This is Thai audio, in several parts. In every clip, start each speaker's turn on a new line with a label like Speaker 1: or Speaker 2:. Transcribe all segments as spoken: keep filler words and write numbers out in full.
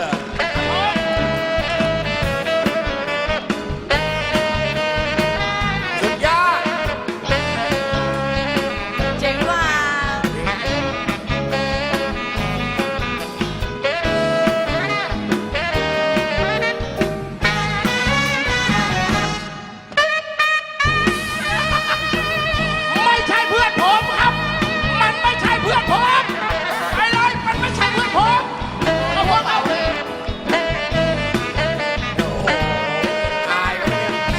Speaker 1: สุดยอด
Speaker 2: เจ๋งว่ะ
Speaker 1: ไม่ใช่เพื่อนผมครับ มันไม่ใช่เพื่อนผมไปเลยมันไม่ใช่เพื่อนผมเอาพวกเอาเลยโอ้โหอายเลย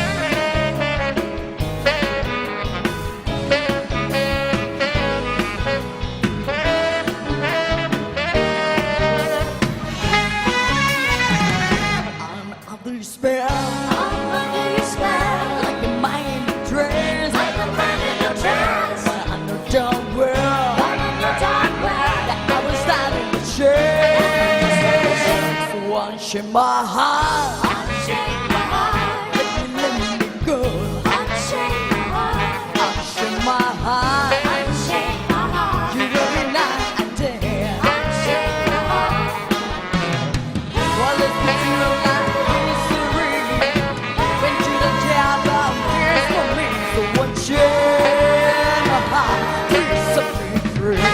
Speaker 2: I'm under your spell. I'm under your spell. Like a man in a trance. Like a man in a trance. But I know darn well. But I know darn well that I was starting to change. So unchain my heart. Unchain my heart. Let me let me go. Unchain my heart. Unchain my heart. Unchain my heart. You every night and day. Unchain my heart. Well, let's be real life history. Went to the jail, but here's for me. So unchain my heart. Please set me free.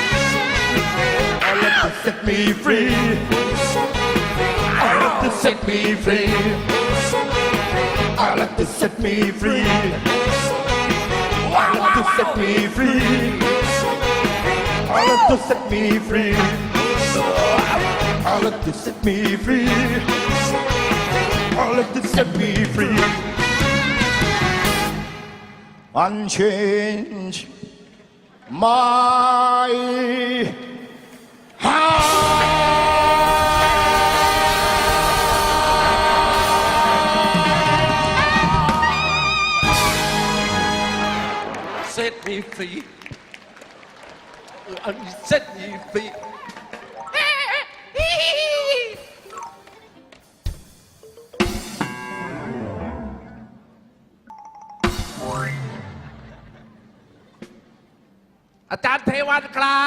Speaker 3: I let you set me free. I let you set me free. I let you set me free. I let you set me free. I let you set me free. I let you set me free. I let you set me free. Unchange my
Speaker 4: Set me free. Set me free. อาจารย์เทวันครับ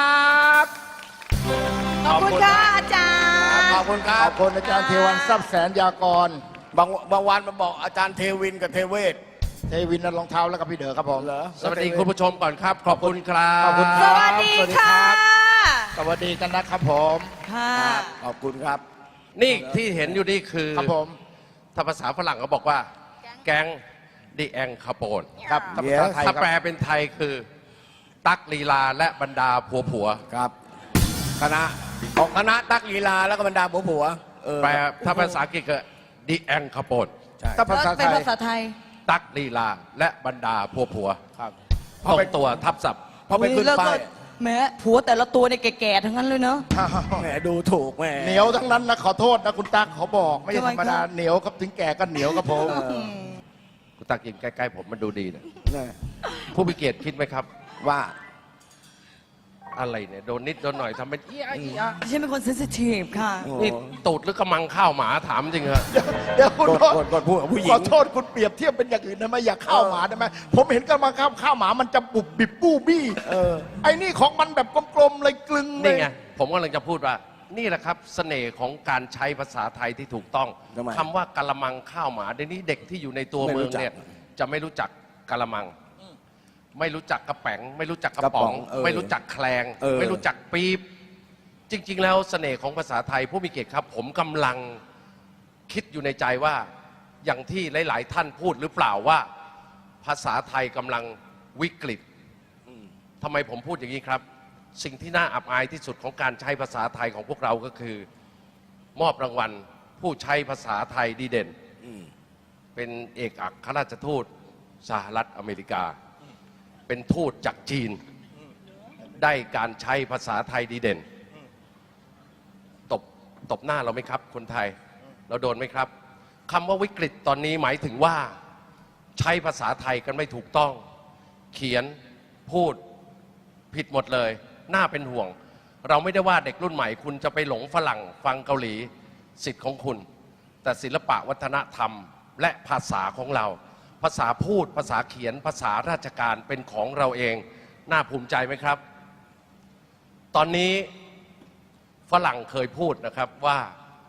Speaker 2: ขอบคุณค่ะอาจารย์
Speaker 1: ขอบคุณค
Speaker 3: ข
Speaker 1: รั
Speaker 3: อ
Speaker 1: บบ
Speaker 3: คุณอาจารย์เทวันทรัพย์แสนยากร
Speaker 1: บางบางวันมาบอกอาจารย์เทวินกับเทเวศ
Speaker 3: เทวินนั่นรองเท้าแล้วก็พี่เด๋อครับผม
Speaker 1: เหรอ
Speaker 4: สวัสดีคุณผู้ชมก่อนครับ ขอบคุณครับ
Speaker 3: ขอบคุณค
Speaker 2: ส
Speaker 3: รับ
Speaker 2: วัสดีค่ะ
Speaker 3: สวัสดีกันนะครับผม
Speaker 2: ค่ะ
Speaker 1: ขอบคุณครับ
Speaker 4: นี่ที่เห็นอยู่นี่คือ
Speaker 3: ครับผม
Speaker 4: ถ้าภาษาฝรั่งเขาบอกว่า แก๊งดีแองคาโปน
Speaker 3: ครับภาษาไทยค
Speaker 4: ถ้า
Speaker 3: รับ
Speaker 4: แปลเป็นไทยคือ ตักลีลาและบรรดาผัวผัว
Speaker 1: ครับ คณะของคณะตักลีลาแล้วก็บรรดาผัวผัวเออ
Speaker 4: แปลถ้าภาษาอังกฤษก็ดีแองคาโปน
Speaker 1: ใช่
Speaker 3: ถ้าภาษาไท
Speaker 2: เป็น
Speaker 3: ย
Speaker 2: ภาษาไทย
Speaker 4: ตักลีลาและบรรดาผัวผัว
Speaker 1: ครับ
Speaker 4: ตรงตัวทับศัพท์
Speaker 1: พอไปขึ้น
Speaker 2: แล้ว
Speaker 1: ป้า
Speaker 2: ก็
Speaker 1: ย
Speaker 2: แม้ผัวแต่ละตัวเนี่ยแก่ๆทั้งนั้นเลยเนาะ
Speaker 1: แหมดูถูกแหม
Speaker 3: เหนียวทั้งนั้นนะขอโทษนะคุณตั๊กเขาบอกไม่ใช่ธรรมดา
Speaker 2: ทำไมครับ
Speaker 3: เหนียวครับถึงแก่ก็เหนียวครับผม
Speaker 4: คุณตักยิงใกล้ๆผมมันดูดีนะ
Speaker 1: เนี่ย
Speaker 4: ผู้มีเกียรติคิดไหมครับ
Speaker 1: ว่า
Speaker 4: อะไรเนี่ยโดนนิดโดนหน่อยทำเป็นเอี้ยเอี้ย
Speaker 2: ฉันเป็นคนเซนซิทีฟค่ะ
Speaker 4: นี่ตูดหรือกระมังข้าวหมาถามจริงเหรอ
Speaker 3: เดี๋ยวคุณ
Speaker 1: กด
Speaker 3: โทษ
Speaker 1: กดกดพูดกับผู้หญิง
Speaker 3: ขอโทษคุณเปรียบเทียบเป็นอย่างอื่นได้ไหมอย่าข้าวหมาได้ไหมผมเห็นกันมาข้าวข้าวหมามันจะบุบบิบบู้บี้
Speaker 1: เออ
Speaker 3: ไอ้นี่ของมันแบบกลมๆเลยกลึงเล
Speaker 4: นี่
Speaker 3: ย
Speaker 4: ไงผมกำลังจะพูดว่า นี่แหละครับเสน่ห์ของการใช้ภาษาไทยที่ถูกต้อง
Speaker 1: ทำไม
Speaker 4: คำว่ากะละมังข้าวหมาเดี๋ยวนี้เด็กที่อยู่ในตัว
Speaker 1: ไม่รู้
Speaker 4: เมืองเนี่ย
Speaker 1: จัก
Speaker 4: จะไม่รู้จักกะละมัง ไม่รู้จักกระแป๋ง ไม่รู้จักกระป๋อง
Speaker 1: กระป๋องเออ
Speaker 4: ไม่รู้จักแคลง
Speaker 1: เออ
Speaker 4: ไม่รู้จักปี๊บจริง ๆ แล้วเสน่ห์ของภาษาไทยผู้มีเกียรติครับ ผมกำลังคิดอยู่ในใจว่าอย่างที่หลาย ๆ ท่านพูดหรือเปล่าว่า ภาษาไทยกำลังวิกฤตทำไมผมพูดอย่างนี้ครับ สิ่งที่น่าอับอายที่สุดของการใช้ภาษาไทยของพวกเราก็คือ มอบรางวัลผู้ใช้ภาษาไทยดีเด่น เป็นเอกอัครราชทูตสหรัฐอเมริกา เป็นทูตจากจีน ได้การใช้ภาษาไทยดีเด่น ตบตบหน้าเราไหมครับ คนไทย เราโดนไหมครับคำว่าวิกฤตตอนนี้หมายถึงว่าใช้ภาษาไทยกันไม่ถูกต้อง เขียนพูดผิดหมดเลย น่าเป็นห่วง เราไม่ได้ว่าเด็กรุ่นใหม่คุณจะไปหลงฝรั่งฟังเกาหลีสิทธิ์ของคุณ แต่ศิลปะวัฒนธรรมและภาษาของเรา ภาษาพูดภาษาเขียนภาษาราชการเป็นของเราเอง น่าภูมิใจไหมครับ ตอนนี้ฝรั่งเคยพูดนะครับว่า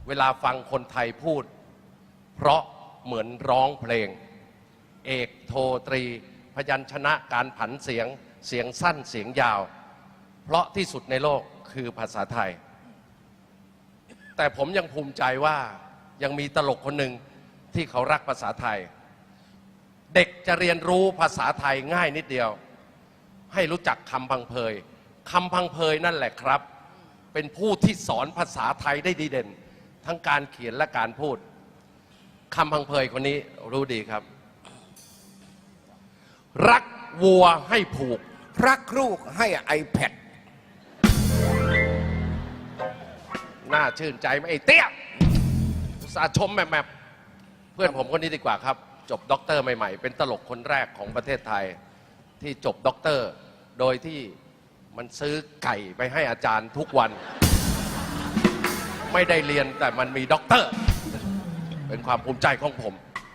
Speaker 4: เวลาฟังคนไทยพูด เพราะเหมือนร้องเพลง เอกโทตรี พยัญชนะการผันเสียงเสียงสั้นเสียงยาว เพราะที่สุดในโลกคือภาษาไทย แต่ผมยังภูมิใจว่ายังมีตลกคนหนึ่งที่เขารักภาษาไทย เด็กจะเรียนรู้ภาษาไทยง่ายนิดเดียว ให้รู้จักคำพังเพยคำพังเพยนั่นแหละครับ เป็นผู้ที่สอนภาษาไทยได้ดีเด่น ทั้งการเขียนและการพูดคำพังเพยคนนี้รู้ดีครับ รักวัวให้ผูก
Speaker 3: รักลูกให้ iPad
Speaker 4: น่าชื่นใจไหมไอ้เตี้ยอุตส่าห์ชมแมบๆเพื่อนผมคนนี้ดีกว่าครับ จบด็อกเตอร์ใหม่ๆ เป็นตลกคนแรกของประเทศไทย ที่จบด็อกเตอร์ โดยที่มันซื้อไก่ไปให้อาจารย์ทุกวัน ไม่ได้เรียนแต่มันมีด็อกเตอร์ เป็นความภูมิใจของผม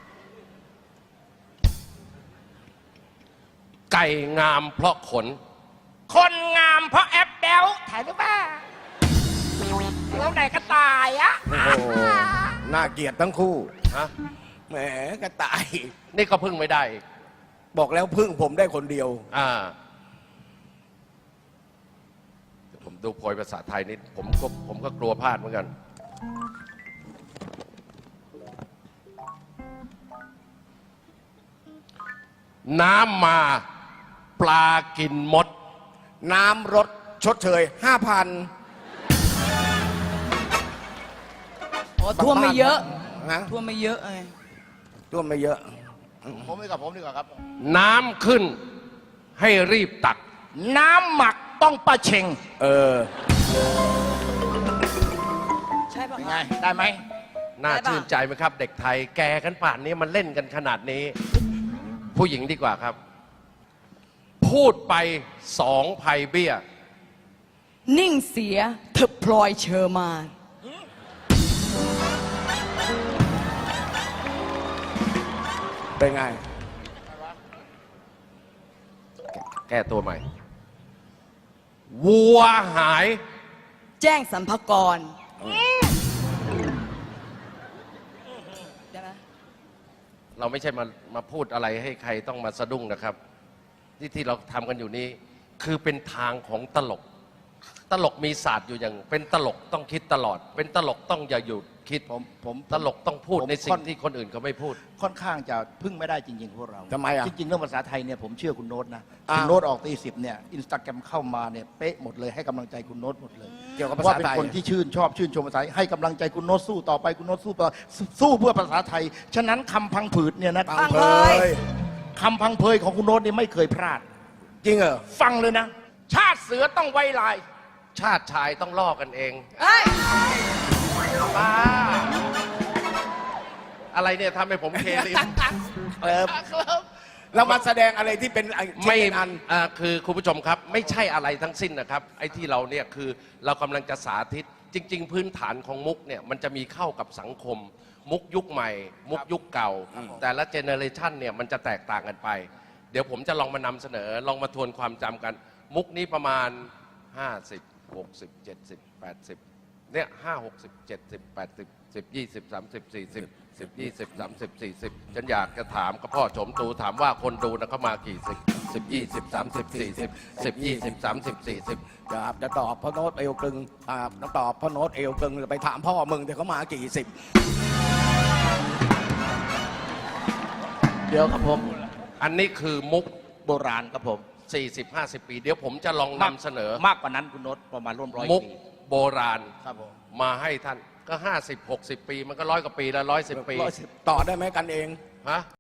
Speaker 4: ไก่งามเพราะขน
Speaker 1: คนงามเพราะแอปเดลถ่ายหรือเปล่าแล้วไหนก็ตายอะ
Speaker 3: โอ้โหน่าเกลียดทั้งคู่
Speaker 4: ฮะ
Speaker 3: แหมกระต่าย
Speaker 4: นี่ก็พึ่งไม่ได้อีก
Speaker 3: บอกแล้วพึ่งผมได้คนเดียว
Speaker 4: อ่าเดี๋ยวผมดูโพยภาษาไทยนิด ผมก็ผมก็กลัวพลาดเหมือนกัน น้ำมาปลากินมด
Speaker 3: น้ำรถชดเชยห้าพัน
Speaker 2: โอ้ท่วมไม่เยอะ
Speaker 3: นะ
Speaker 2: ท่วมไม่เยอะไง
Speaker 3: ท่วมไม่เยอะ
Speaker 1: ผมดีกว่าผมดีกว่าครับ
Speaker 4: น้ำขึ้นให้รีบตัก
Speaker 1: น้ำหมักต้องประเชง
Speaker 3: เออ
Speaker 2: ใช่ปะ
Speaker 1: ยังไง ได้ไหม
Speaker 4: น่า
Speaker 2: ได้ปะ
Speaker 4: ชื่นใจไหมครับ เด็กไทยแกกันป่านนี้มันเล่นกันขนาดนี้ ผู้หญิงดีกว่าครับ พูดไปสองภัยเบี้ย
Speaker 2: นิ่งเสียเธอพลอยเชอร์มาน
Speaker 3: เป็นไง
Speaker 4: แก้ตัวใหม่ วัวหาย
Speaker 2: แจ้งสรรพากรได้ไหม
Speaker 4: เราไม่ใช่มามาพูดอะไรให้ใครต้องมาสะดุ้งนะครับ ที่ที่เราทำกันอยู่นี้ คือเป็นทางของตลก ตลกมีศาสตร์อยู่อย่าง เป็นตลกต้องคิดตลอด เป็นตลกต้องอย่าหยุดคิด
Speaker 1: ผมผม
Speaker 4: ตลกต้องพูด
Speaker 1: ผม
Speaker 4: ในสิ่
Speaker 1: ค่
Speaker 4: ง
Speaker 1: อน
Speaker 4: ที่คนอื่นเขาไม่พูด
Speaker 1: ค่อนข้างจะพึ่งไม่ได้จริงๆพวกเรา
Speaker 3: ทำไมอ่ะ
Speaker 1: จริงๆเรื่องภาษาไทยเนี่ยผมเชื่อคุณโน้ตนะ
Speaker 3: อ้าว
Speaker 1: คุณโน้ตออกตีสิบเนี่ยอินสตาแกรมเข้ามาเนี่ยเป๊ะหมดเลยให้กำลังใจคุณโน้ตหมดเลย
Speaker 3: เกี่ยวกับภา
Speaker 1: ว่า
Speaker 3: ษา
Speaker 1: เป็น
Speaker 3: ไทย
Speaker 1: คนที่ชื่นชอบชื่นชมภาษาไทยให้กำลังใจคุณโน้ตสู้ต่อไปคุณโน้ตสู้ต่อสู้เพื่อภาษาไทย ฉะนั้นคำพังผืดเนี่ยนะ
Speaker 3: พังเพย
Speaker 1: คำพังเพยของคุณโน้ตนี่ไม่เคยพลาด
Speaker 3: จริงเหรอ
Speaker 1: ฟังเลยนะ ชาติเสือต้องไว้ลาย
Speaker 4: ชาติชายต้องล่อกันเอง
Speaker 2: เอ้ย
Speaker 4: บ้าอะไรเนี่ยทำให้ผมเคลิน
Speaker 3: เออเรามาแสดงอะไรที่เป็นอ้ที่
Speaker 4: ไม่
Speaker 3: เป็นอัน
Speaker 4: อ่าคือคุณผู้ชมครับ ไม่ใช่อะไรทั้งสิ้นนะครับ ไอ้ที่เราเนี่ยคือเรากำลังจะสาธิต จริง ๆ พื้นฐานของมุกเนี่ยมันจะมีเข้ากับสังคม มุกยุคใหม่ มุกยุคเก่า แต่ละเจเนอเรชันเนี่ยมันจะแตกต่างกันไป เดี๋ยวผมจะลองมานำเสนอ ลองมาทวนความจำกัน มุกนี้ประมาณ ห้าสิบ หกสิบ เจ็ดสิบ แปดสิบเนี่ยห้าหกสิบเจ็ดสิบแปดสิบสิบยี่สิบสามสิบสี่สิบสิบยี่สิบสามสิบสี่สิบฉันอยากจะถามกับพ่อโฉมตูถามว่าคนดูนะเขามากี่สิบสิบยี่สิบสามสิบสี่สิบสิบยี่สิบสามสิบสี่สิบ
Speaker 3: จะจะตอบพ่อโน้ตเอวกลึงอ่าจะตอบพ่อโน้ตเอวกลึงไปถามพ่อมึงแต่เขามากี่สิบ
Speaker 1: เดี๋ยวครับผม
Speaker 4: อันนี้คือมุก
Speaker 1: โบราณครับผม
Speaker 4: สี่สิบ ห้าสิบ ปี เดี๋ยวผมจะลองนำเสนอ
Speaker 1: มากกว่านั้นคุณโน้ตประมาณร่วมร้อย
Speaker 4: มุก
Speaker 1: ปี
Speaker 4: โบราณ
Speaker 1: ครับผม
Speaker 4: มาให้ท่านก็ห้าสิบ หกสิบ ปี มันก็ร้อยกว่าปีแล้วร้อยสิบปี
Speaker 3: ต่อได้ไหมกันเอง
Speaker 4: ฮะ